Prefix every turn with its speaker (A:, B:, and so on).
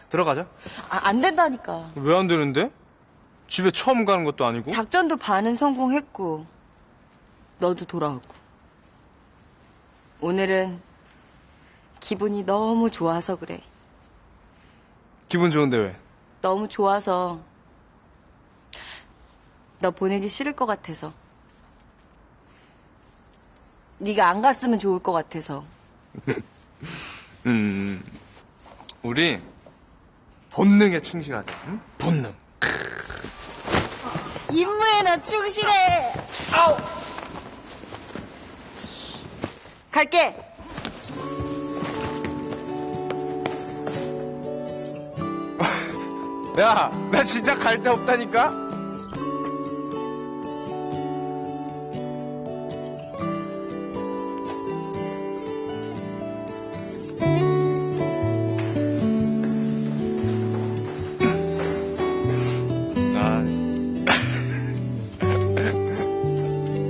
A: 들어가자.
B: 안 된다니까.
A: 왜 안 되는데? 집에 처음 가는 것도 아니고.
B: 작전도 반은 성공했고 너도 돌아오고. 오늘은 기분이 너무 좋아서 그래.
A: 기분 좋은데 왜?
B: 너무 좋아서. 너 보내기 싫을 것 같아서. 네가 안 갔으면 좋을 것 같아서.
A: 우리 본능에 충실하자. 응? 본능.
B: 임무에나 충실해. 아우. 갈게.
A: 야, 나 진짜 갈 데 없다니까?